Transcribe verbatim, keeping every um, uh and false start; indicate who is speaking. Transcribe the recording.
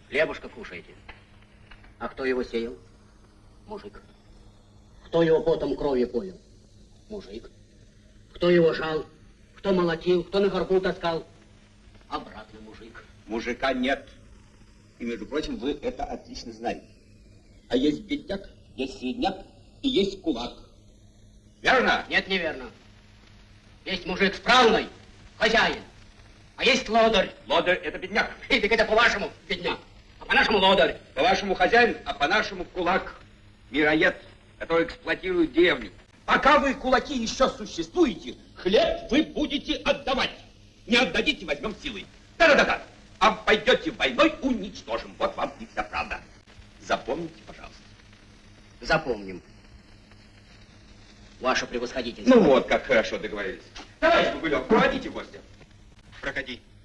Speaker 1: Хлебушка кушаете. А кто его сеял? Мужик. Кто его потом кровью поил? Мужик. Кто его жал? Кто молотил? Кто на горбу таскал? Обратно мужик.
Speaker 2: Мужика нет. И, между прочим, вы это отлично знаете. А есть бедняк, есть средняк и есть кулак. Верно?
Speaker 1: Нет, неверно. Есть мужик справный, хозяин. А есть лодырь.
Speaker 2: Лодырь — это бедняк.
Speaker 1: И так это по-вашему бедняк. А по-нашему лодырь.
Speaker 2: По-вашему хозяин, а по-нашему кулак. Мироед, который эксплуатирует деревню. Пока вы, кулаки, еще существуете, хлеб вы будете отдавать. Не отдадите, возьмем силой. Да-да-да. А пойдете войной, уничтожим. Вот вам и вся правда. Запомните, пожалуйста.
Speaker 1: Запомним. Ваше превосходительство.
Speaker 2: Ну вот, как хорошо договорились. Товарищ Богулев, проводите гостя.
Speaker 3: Проходи.